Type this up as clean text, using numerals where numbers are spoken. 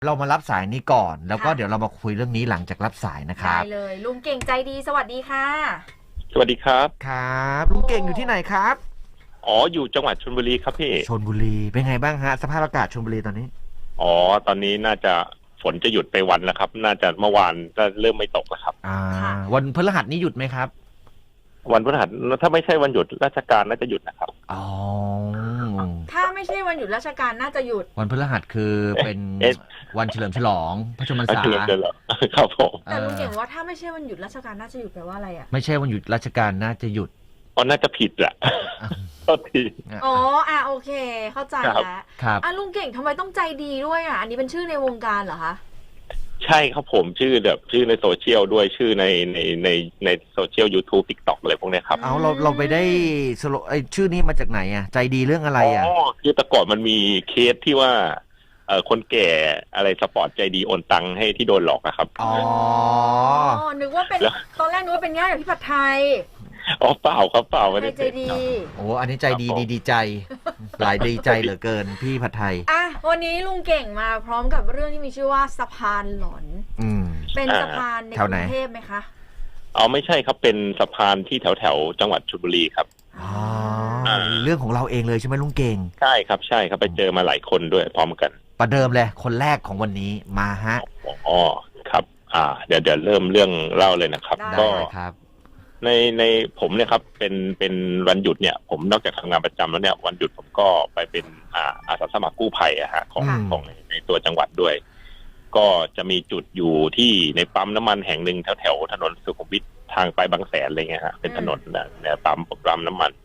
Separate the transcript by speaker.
Speaker 1: เรามารับสายนี้ก่อนแล้วก็
Speaker 2: ค่ะ
Speaker 1: เดี๋ยวเรามาคุยเรื่องนี้หลังจากรับสายนะครับ
Speaker 2: ได้เลยลุงเก่งใจดีสวัสดีค่ะ
Speaker 3: สวัสดีครับ
Speaker 1: ครับลุงเก่งอยู่ที่ไหนครับ
Speaker 3: อ๋อ อยู่จังหวัดชลบุรีครับพี่
Speaker 1: ชลบุรีเป็นไงบ้างฮะสภาพอากาศชลบุรีตอนนี้
Speaker 3: อ๋อ ตอนนี้น่าจะฝนจะหยุดไปวันแล้วครับ น่าจะเมื่อวานก็เริ่มไม่ตกแล้วครับ
Speaker 2: ค่ะ
Speaker 1: วันพฤหัสนี้หยุดไหมครับ
Speaker 3: วันพฤหัสถ้าไม่ใช่วันหยุดราชการน่าจะหยุดนะครับ
Speaker 1: อ๋อ
Speaker 2: ถ้าไม่ใช่วันหยุดราชการน่าจะหยุด
Speaker 1: วันพฤหัสคือเป็น
Speaker 3: เอ๊ะ
Speaker 1: วันเฉลิมฉลองพระชนมพรรษา
Speaker 3: เฉลิมฉลองครับผม
Speaker 2: แต่ลุงเก่งว่าถ้าไม่ใช่วันหยุดราชการน่าจะหยุดแปลว่าอะไรอ่ะ
Speaker 1: ไม่ใช่วันหยุดราชการน่าจะหยุด
Speaker 3: อ๋อน่าจะผิดแหละโทษที
Speaker 2: อ๋อโอเค เข้าใจ
Speaker 3: ครับ
Speaker 2: แล้ว
Speaker 1: ครับ
Speaker 2: ลุงเก่งทำไมต้องใจดีด้วยอ่ะอันนี้เป็นชื่อในวงการเหรอคะ
Speaker 3: ใช่ครับผมชื่อแบบชื่อในโซเชียลด้วยชื่อในโซเชียล YouTube TikTok อะไรพวกเนี้ยครับ
Speaker 1: เอาเราไปได้สโลชื่อนี้มาจากไหนอ่ะใจดีเรื่องอะไรอ่ะ
Speaker 3: คือแต่ก่อนมันมีเคสที่ว่าคนแก่อะไรสปอร์ตใจดีโอนตังค์ให้ที่โดนหลอกอะครับ
Speaker 1: อ๋อ
Speaker 2: นึกว่าเป็น
Speaker 3: แล้ว
Speaker 2: ตอนแรกนึกว่าเป็นญาติกับพี่ผัดไทย
Speaker 3: อ๋อเปล่าครับเปล่าไม่
Speaker 2: ใคร
Speaker 3: ได้
Speaker 2: ใจ
Speaker 3: เป็น
Speaker 2: ดี
Speaker 3: ครับ
Speaker 1: โอ้อันนี้ใจดี
Speaker 3: ครับผม
Speaker 1: ดีใจ หลายดีใจเหลือเกินพี่ผัดไทย
Speaker 2: วันนี้ลุงเก่งมาพร้อมกับเรื่องที่มีชื่อว่าสะพานหลอน
Speaker 1: อืม
Speaker 2: เป็นสะพานใน
Speaker 1: แถ
Speaker 2: ก
Speaker 1: ว
Speaker 2: รุ
Speaker 1: ไหน
Speaker 2: งเทพไหมคะ
Speaker 3: อ๋อไม่ใช่ครับเป็นสะพานที่แถวจังหวัดชลบุรีครับ
Speaker 1: อ๋อเรื่องของเราเองเลยใช่ไหมลุงเก่ง
Speaker 3: ใช่ครับใช่ครับไปเจอมาหลายคนด้วยพร้อมกัน
Speaker 1: ประเดิมเลยคนแรกของวันนี้มาฮะ
Speaker 3: อ๋อครับ เดี๋ยวเริ่มเรื่องเล่าเลยนะครับ
Speaker 2: ได้
Speaker 3: ก็
Speaker 1: ได้ครับ
Speaker 3: ในผมเนี่ยครับเป็นวันหยุดเนี่ย ผมนอกจากทำงานประจำแล้วเนี่ยวันหยุดผมก็ไปเป็นอาสาสมัครกู้ภัยอะฮะของ
Speaker 1: อืม
Speaker 3: ของในตัวจังหวัดด้วย ก็จะมีจุดอยู่ที่ในปั๊มน้ำมันแห่งหนึ่งแถวถนนสุขุมวิททางไปบางแสนอะไรเงี้ยฮะเป็นถนนเนี่ยปั๊มน้ำมัน